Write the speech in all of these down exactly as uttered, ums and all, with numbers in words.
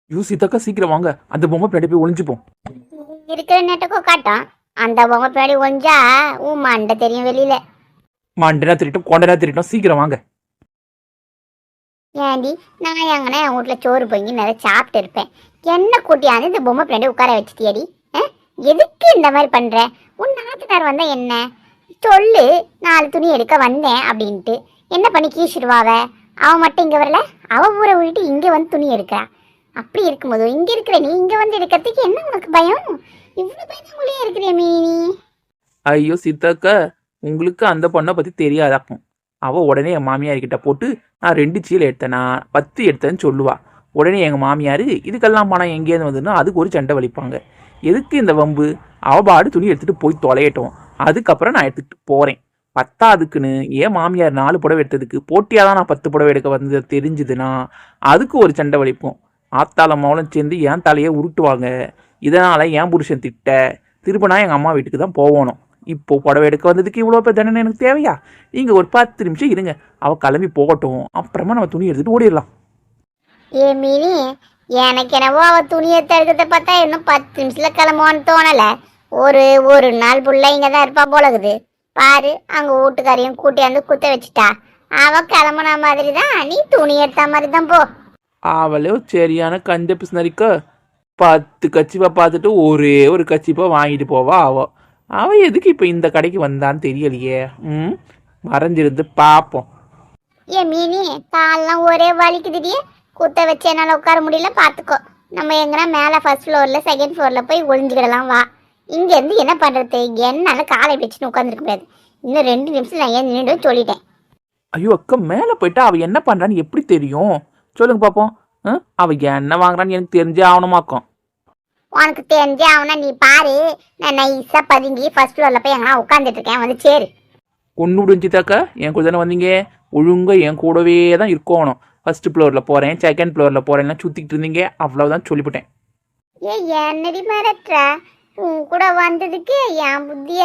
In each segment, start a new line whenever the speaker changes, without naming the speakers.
You சீதாக்கா சீக்கிரம் வாங்க, அந்த பொம்மை பின்னாடி போய் ஒளிஞ்சுப்போம்.
இருக்கிற நெட்டக்கோ காட்டும் அந்த பொம்மை பின்னாடி ஒஞ்சா உன் மண்டை தெரியும் வெளியில.
மண்டனா திருட்டும் கொண்டனா திருட்டும், சீக்கிரம் வாங்க.
ஏண்டி நான் எங்கன்னா என் வீட்டுல சோறு பொங்கி நிறைய சாப்பிட்டு இருப்பேன், என்ன கூட்டியாந்து இந்த பொம்மை பின்னாடி உட்கார வச்சுட்டியடி? எதுக்கு இந்த மாதிரி பண்ற? உன் நாத்தனார் வந்தா என்ன சொல்லு, நாலு துணி எடுக்க வந்தேன் அப்படின்ட்டு என்ன பண்ணி கீசிடுவாவ? அவன் மட்டும் இங்க வரல, அவ ஊரை விட்டு இங்க வந்து துணி எடுக்கிறா. அப்படி இருக்கும்போது இங்க இருக்கிற நீ இங்க வந்து எடுக்கிறதுக்கு என்ன உனக்கு பயம்? இவ்வளவு பயந்தாங்குள்ளே இருக்கிற மீனி.
ஐயோ சீதாக்கா, உங்களுக்கு அந்த பொண்ணை பத்தி தெரியாதாக்கும். அவ உடனே என் மாமியார் கிட்ட போட்டு நான் ரெண்டு சீலை எடுத்தேனா பத்து எடுத்தேன்னு சொல்லுவா. உடனே எங்க மாமியார் இதுக்கெல்லாம் பணம் எங்கேருந்து வந்ததுன்னா அதுக்கு ஒரு சண்டை வலிப்பாங்க. எதுக்கு இந்த வம்பு? அவ பாடு துணி எடுத்துட்டு போய் தொலையட்டும், அதுக்கப்புறம் நான் எடுத்துட்டு போறேன். பத்தாதுக்குன்னு ஏன் மாமியார் நாலு புடவை எடுத்ததுக்கு போட்டியாக தான் நான் பத்து புடவை எடுக்க வந்தது தெரிஞ்சுதுன்னா அதுக்கு ஒரு சண்டை வலிப்போம். ஆத்தாள மௌலம் சேர்ந்து என் தலையை உருட்டுவாங்க. இதனால என் புருஷன் திட்ட திரும்ப நான் எங்கள் அம்மா வீட்டுக்கு தான் போகணும். இப்போ புடவை எடுக்க வந்ததுக்கு இவ்வளோ பேர் தண்டனை எனக்கு தேவையா? நீங்கள் ஒரு பத்து நிமிஷம் இருங்க, அவள் கிளம்பி போகட்டும், அப்புறமா நம்ம துணி எடுத்துகிட்டு ஓடிடலாம்.
ஏ மீனி, எனக்கு என்னவோ அவ துணி எடுத்து எடுக்கிறத பார்த்தா இன்னும் பத்து நிமிஷத்துல கிளம்புவான்னு தோணல. ஒரு ஒரு நாள் புள்ள இங்க தான் இருப்பா போலகுது. பாரு அங்க வீட்டுக்காரையும் கூட்டியாந்து குத்த வச்சுட்டா. அவ கிளம்புன மாதிரி தான் நீ துணி எடுத்த மாதிரி தான் போ.
அவளே சரியான கஞ்ச பிஸ்னரிக்க. பத்து கச்சிப்பா பார்த்துட்டு ஒரே ஒரு கச்சிப்பா வாங்கிட்டு போவா அவ. அவ எதுக்கு இப்போ இந்த கடைக்கு வந்தான்னு தெரியலையே. ம் மறைஞ்சிருந்து பார்ப்போம்.
ஏ மீனி, காலெல்லாம் ஒரே வலிக்குதுடி, குத்த வச்சு என்னால் உட்கார முடியல. பார்த்துக்கோ, நம்ம எங்கன்னா மேலே ஃபர்ஸ்ட் ஃப்ளோரில் செகண்ட் ஃப்ளோரில் போய் ஒளிஞ்சுக்கிடலாம். வா, இங்கேருந்து என்ன பண்ணுறது? என்னால் காலை வச்சுன்னு உட்காந்துருக்க முடியாது. இன்னும் ரெண்டு நிமிஷம் நான் ஏன் நின்று சொல்லிட்டேன்.
ஐயோ அக்கா, மேலே போயிட்டா அவள் என்ன பண்ணுறான்னு எப்படி தெரியும்? சொல்லுங்க பார்ப்போம். அவள் என்ன வாங்குறான்னு எனக்கு தெரிஞ்சே ஆகணுமாக்கும்.
உனக்கு தெரிஞ்சே ஆகுனா நீ பாரு. நான் நைஸாக பதுங்கி ஃபர்ஸ்ட் ஃப்ளோரில் போய் எங்கன்னா உட்காந்துட்டு இருக்கேன், வந்து சேரு.
ஒன்று விடுஞ்சிதாக்கா, என் கூட தானே வந்தீங்க, ஒழுங்காக என் கூடவே தான் இருக்கணும். ஃபர்ஸ்ட் ஃப்ளோரில் போகிறேன் செகண்ட் ஃப்ளோரில் போகிறேன்லாம் சுற்றிக்கிட்டு இருந்தீங்க, அவ்வளோதான் சொல்லிவிட்டேன்.
ஏ என்னடி மிரட்டுற? உன் கூட வந்ததுக்கு என் புத்திய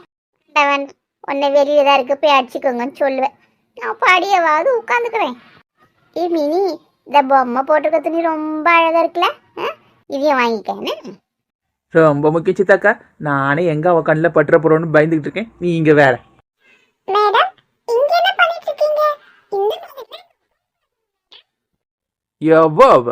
உன்னை வெளியில தான் இருக்கு போய் அடிச்சுக்கோங்கன்னு சொல்லுவேன். நான் படியவாவது உட்காந்துக்கிறேன். ஏ மினி, இந்த பொம்மை போட்டிருக்க துணி ரொம்ப அழகா இருக்குல்ல, இதையும் வாங்கிக்கேன்னு.
ரொம்ப முக்கியம் சித்தாக்கா, நானே எங்க அவ கண்ணில் பட்டுற போறோன்னு பயந்துகிட்டு இருக்கேன், நீ இங்க வேற.
மேடம், இங்க என்ன பண்ணிட்டு இருக்கீங்க? இந்த
எவ்வளோ அவ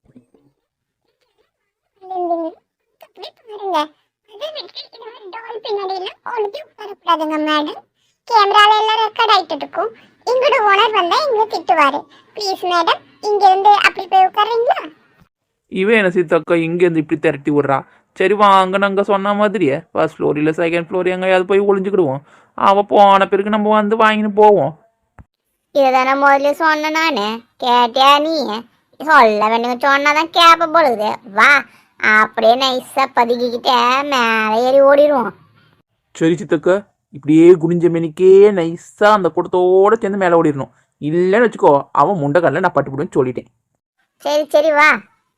கேமரால எல்லாம் ரெக்கார்ட் ஆயிட்டு இருக்கும். இங்கோட ஓனர் வந்தா இங்க திட்டுவாரு. ப்ளீஸ் மேடம், இங்க இருந்து அப்படி போய் உட்காருங்களா?
இவன் என்ன சீதாக்கா இங்கேருந்து இப்படி திரட்டி விட்றா? சரி வாங்க, நாங்கள் சொன்ன மாதிரியே ஃபர்ஸ்ட் ஃப்ளோர் இல்லை செகண்ட் ஃப்ளோர் எங்கேயாவது போய் ஒளிஞ்சுக்கிடுவோம். அவள் போன பிறகு நம்ம வந்து வாங்கின்னு போவோம்.
இதுதானே முதல்ல சொன்ன நானு, கேட்டியா நீ? சொல்ல வேண்டிய சொன்னாதான் கேப்ப போலுது. வா, அப்படியே நைஸா பதுக்கிக்கிட்ட மேலே ஏறி ஓடிடுவோம்.
சரி சித்தக்கா, இப்படியே குனிஞ்ச மெனிக்கே நைஸா அந்த கூட்டத்தோட சேர்ந்து மேலே ஓடிடணும். இல்லைன்னு வச்சுக்கோ, அவன் முண்டக்கல்ல நான் பட்டுப்பிடுன்னு சொல்லிட்டேன்.
சரி சரி வா.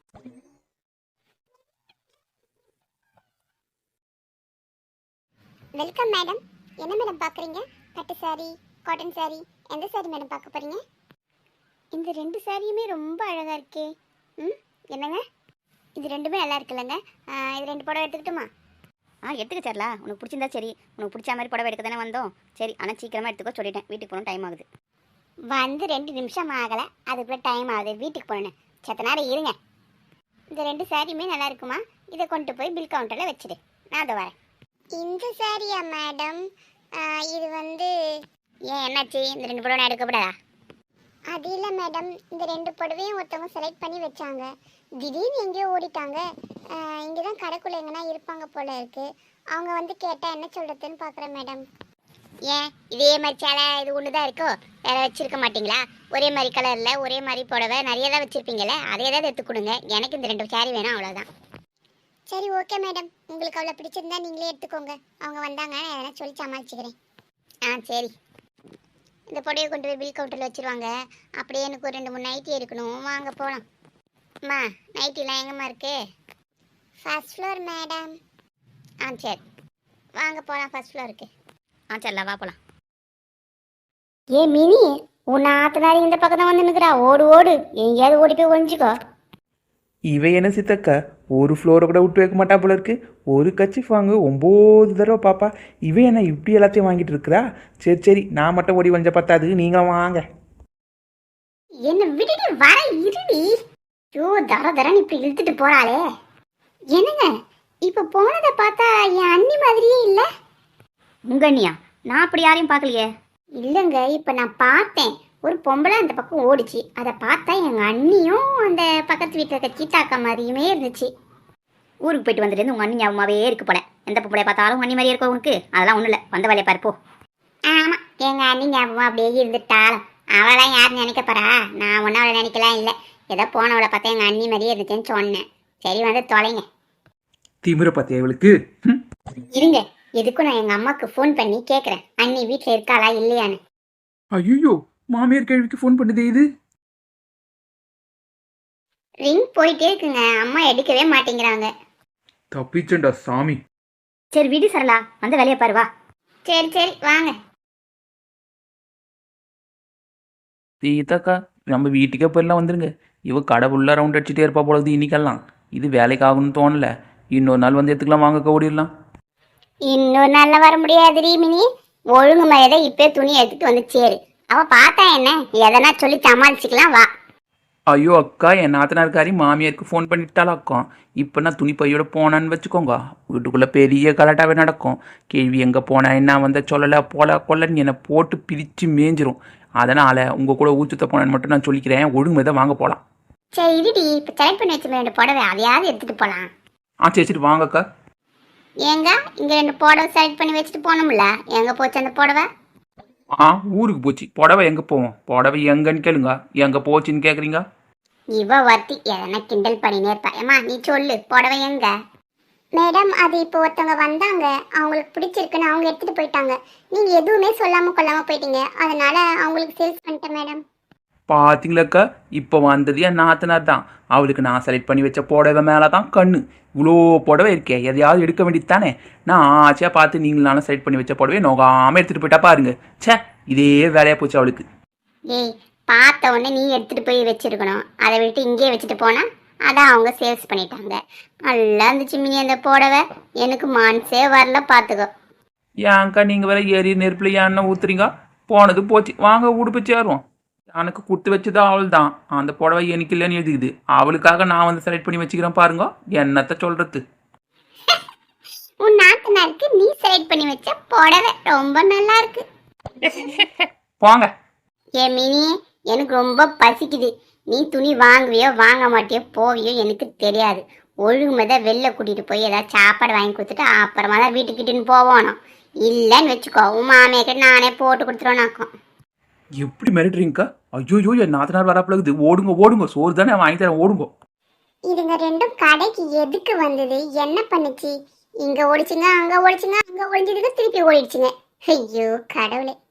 Welcome madam. என்ன மேடம் பார்க்குறீங்க? பட்டு சாரி, காட்டன் சாரி, எந்த சாரி மேடம் பார்க்க போறீங்க? இந்த ரெண்டு சாரியுமே ரொம்ப அழகா இருக்கே. ம் என்னங்க, இது ரெண்டுமே நல்லா இருக்குல்லங்க. இது ரெண்டு புடவை எடுத்துக்கிட்டுமா?
ஆ எடுத்துக்க சரலா, உனக்கு பிடிச்சிருந்தா சரி. உனக்கு பிடிச்ச மாதிரி புடவை எடுக்க தானே வந்தோம். சரி, ஆனால் சீக்கிரமாக எடுத்துக்கோ சொல்லிட்டேன், வீட்டுக்கு போகணும், டைம் ஆகுது.
வந்து ரெண்டு நிமிஷம் ஆகலை, அதுக்குள்ளே டைம் ஆகுது, வீட்டுக்கு போகணும். சத்த நேரம் இருங்க. இந்த ரெண்டு சாரியுமே நல்லா இருக்குமா? இதை கொண்டு போய் பில் கவுண்டரில் வச்சுடு, நான் அதை வரேன். இந்த சாரியா மேடம்? இது வந்து ஏன் என்னாச்சு? இந்த ரெண்டு புடவை நான் எடுக்கப்படாதா? அது இல்லை மேடம், இந்த ரெண்டு புடவையும் ஒருத்தவங்க செலக்ட் பண்ணி வச்சாங்க. திடீர்னு எங்கேயோ ஓடிட்டாங்க. இங்கே தான் கடைக்குள்ளே எங்கன்னா இருப்பாங்க போல இருக்கு. அவங்க வந்து கேட்டால் என்ன சொல்கிறதுன்னு பார்க்குறேன் மேடம். ஏன் இதே மாதிரி சேலை இது ஒன்று தான் இருக்கோ? வேற வச்சிருக்க மாட்டிங்களா? ஒரே மாதிரி கலரில் ஒரே மாதிரி புடவை நிறைய தான் வச்சுருப்பீங்களே, அதை ஏதாவது எடுத்து கொடுங்க. எனக்கு இந்த ரெண்டு சாரி வேணும், அவ்வளோதான். சரி ஓகே மேடம், உங்களுக்கு அவ்வளோ பிடிச்சிருந்தா நீங்களே எடுத்துக்கோங்க. அவங்க வந்தாங்க, நான் எதனா சொல்லி சமாளிச்சுக்கிறேன். ஆ சரி. இந்த புடவையை கொண்டு போய் பில் கவுண்டரில் வச்சுருவாங்க. அப்படியே எனக்கு ஒரு ரெண்டு மூணு நைட்டி இருக்கணும், வாங்க போகலாம். அம்மா, நைட்டிலாம் எங்கம்மா இருக்கு? First floor madam. ஆ சரி, வாங்க போகலாம் ஃபர்ஸ்ட் ஃப்ளோருக்கு.
ஆ சரிலா, வா போகலாம்.
ஏ மினி, உன் ஆத்தனாரி இந்த பக்கம் தான் வந்து நிற்கிறா. ஓடு ஓடு, எங்கேயாவது ஓடி போய் ஒழிஞ்சிக்கோ.
இவ என்ன சித்தக்கா ஒரு ஃப்ளோரை கூட விட்டு வைக்க மாட்டா போல இருக்கு. ஒரு கச்சிஃப் வாங்க ஒம்பது தடவை பாப்பா. இவ என்ன இப்படி எல்லாத்தையும் வாங்கிட்டு இருக்கிறா? சரி சரி நான் மட்டும் ஓடி வந்த பத்தாது, நீங்களும் வாங்க.
என்ன விடுடி வர இருடி. ஐயோ தர தரன்னு இப்படி இழுத்துட்டு போறாளே. என்னங்க இப்ப போனதை பார்த்தா என் அண்ணி மாதிரியே இல்ல.
உங்க அண்ணியா? நான் அப்படி யாரையும் பார்க்கலையே.
இல்லைங்க இப்ப நான் பார்த்தேன், ஒரு பொம்பளை அந்த பக்கம் ஓடிச்சு. அதை பார்த்தா எங்க அண்ணியும் அந்த பக்கத்து வீட்டில் இருக்க சீத்தாக்கா மாதிரியுமே இருந்துச்சு.
ஊருக்கு போயிட்டு வந்துட்டு உங்க அண்ணி ஞாபகமாவே இருக்கு போல. எந்த பொம்பளைய பார்த்தாலும் உங்க அண்ணி மாதிரியே இருக்கும் உனக்கு. அதெல்லாம் ஒன்றும் இல்லை, வந்த வேலையை பாருப்போ.
ஆமா எங்க அண்ணி ஞாபகம் அப்படியே இருந்துட்டாலும் அவளாம் யாரும் நினைக்க போறா? நான் ஒன்னும் அவளை நினைக்கலாம் இல்லை. ஏதோ போனவளை பார்த்தா எங்க அண்ணி மாதிரியே இருந்துச்சுன்னு சொன்னேன். சரி வந்து தொலைங்க.
திமிர பத்தியா இவளுக்கு? ம்.
இருங்க எதுக்கும் நான் எங்க அம்மாக்கு ஃபோன் பண்ணி கேட்குறேன் அண்ணி வீட்டில் இருக்காளா இல்லையான்னு.
ஐயோ மாமியார் கேள்விக்கு ஃபோன் பண்ணுதே இது.
ரிங் போயிட்டே இருக்குங்க, அம்மா எடுக்கவே மாட்டேங்கிறாங்க.
தப்பிச்சண்டா சாமி.
சரி விடு சரளா, வந்த வேலையை பாரு வா.
சரி சரி வாங்க.
சீதாக்கா நம்ம வீட்டுக்கே போயிடலாம், வந்துருங்க. இவ கடை ஃபுல்லாக ரவுண்ட் அடிச்சுட்டே இருப்பா போலது இன்னைக்கெல்லாம். இது வேலைக்கு ஆகும்னு தோணல. இன்னொரு நாள் வந்து எடுத்துக்கலாம், வாங்க ஓடிடலாம்.
இன்னொரு நாள்ல வர முடியாது மினி. ஒழுங்கு மரியாதை இப்பே துணி எடுத்துட்டு வந்து சேரு. அவ பார்த்தா என்ன எதனா சொல்லி சமாளிச்சுக்கலாம் வா.
ஐயோ அக்கா, என் நாத்தனார்காரி மாமியாருக்கு ஃபோன் பண்ணிட்டாலும் அக்கா. இப்போ நான் துணி பையோட போனான்னு வச்சுக்கோங்க, வீட்டுக்குள்ளே பெரிய கலாட்டாவே நடக்கும். கேள்வி எங்கே போனேன் என்ன வந்த சொல்லலை போல கொல்லன்னு என்னை போட்டு பிரித்து மேய்ஞ்சிரும். அதனால் உங்கள் கூட ஊச்சுத்த போனேன்னு மட்டும் நான் சொல்லிக்கிறேன். ஒழுங்கு தான் வாங்க போகலாம்.
சரி இருடி, இப்போ செலக்ட் பண்ணி வச்சு ரெண்டு புடவை அதையாவது எடுத்துட்டு போகலாம்.
ஆ சரி சரி வாங்கக்கா.
ஏங்க இங்க ரெண்டு புடவை செலக்ட் பண்ணி வச்சுட்டு போனோம்ல, எங்க போச்சு அந்த புடவை?
ஆ ஊருக்கு போச்சு. புடவை எங்கே போவோம்? புடவை எங்கன்னு கேளுங்க, எங்கே போச்சுன்னு கேட்குறீங்க?
இவ வர்த்தி எதனா கிண்டல் பண்ணினே இருப்பா. ஏமா நீ சொல்லு புடவை எங்க? மேடம் அது இப்போ ஒருத்தவங்க வந்தாங்க, அவங்களுக்கு பிடிச்சிருக்குன்னு அவங்க எடுத்துட்டு போயிட்டாங்க. நீங்க எதுவுமே சொல்லாம கொள்ளாம போயிட்டீங்க, அதனால அவங்களுக்கு சேல்ஸ் பண்ணிட்டேன் மேடம்.
பார்த்தீங்களாக்கா, இப்போ வந்தது என் நாத்தனார் தான். அவளுக்கு நான் செலக்ட் பண்ணி வச்ச புடவை மேலே தான் கண்ணு. இவ்வளோ புடவை இருக்கே, எதையாவது எடுக்க வேண்டியது தானே. நான் ஆச்சையாக பார்த்து நீங்களாலும் செலக்ட் பண்ணி வச்ச புடவை நோகாமல் எடுத்துகிட்டு போயிட்டா பாருங்க. சே இதே வேலையாக போச்சு அவளுக்கு.
ஏய் பார்த்த உடனே நீ எடுத்துட்டு போய் வச்சிருக்கணும், அதை விட்டு இங்கேயே வச்சுட்டு போனா அதான் அவங்க சேல்ஸ் பண்ணிட்டாங்க. நல்லா இருந்துச்சு மினி அந்த புடவை, எனக்கு மனசே வரல பார்த்துக்கோ.
ஏன்க்கா நீங்கள் வேற ஏறி நெருப்பில் ஏன்னா ஊத்துறீங்க? போனது போச்சு, வாங்க உடுப்பு சேருவோம். எனக்கு கொடுத்து வச்சுதான் அவள் தான். அந்த புடவை எனக்கு இல்லைன்னு எழுதிக்குது. அவளுக்காக நான் வந்து செலக்ட் பண்ணி வச்சுக்கிறேன் பாருங்க. என்னத்த சொல்றது?
உன் நாத்தனாருக்கு நீ செலக்ட் பண்ணி வச்ச புடவை ரொம்ப நல்லா இருக்கு.
போங்க.
ஏ மினி எனக்கு ரொம்ப பசிக்குது. நீ துணி வாங்குவியோ வாங்க மாட்டியோ போவியோ எனக்கு தெரியாது. ஒழுங்குமதை வெளில கூட்டிட்டு போய் ஏதாவது சாப்பாடு வாங்கி கொடுத்துட்டு அப்புறமா தான் வீட்டுக்கிட்டுன்னு போவோம். இல்லைன்னு வச்சுக்கோ உன் மாமியாக்கிட்ட நானே போட்டு கொடுத்துருவோனாக்கும்.
எப்படி மிரட்டுறீங்கக்கா? ஐயோ என் நாத்தனார் வரப்பழகுது. ஓடுங்க ஓடுங்க, சோறு தானே வாங்கி தரேன், ஓடுங்க.
இதுங்க ரெண்டும் கடைக்கு எதுக்கு வந்தது, என்ன பண்ணுச்சு? இங்க ஓடிச்சுங்க அங்க ஓடிச்சுங்க அங்க ஒழிஞ்சதுக்கு திருப்பி ஓடிடுச்சுங்க. ஐயோ கடவுளே.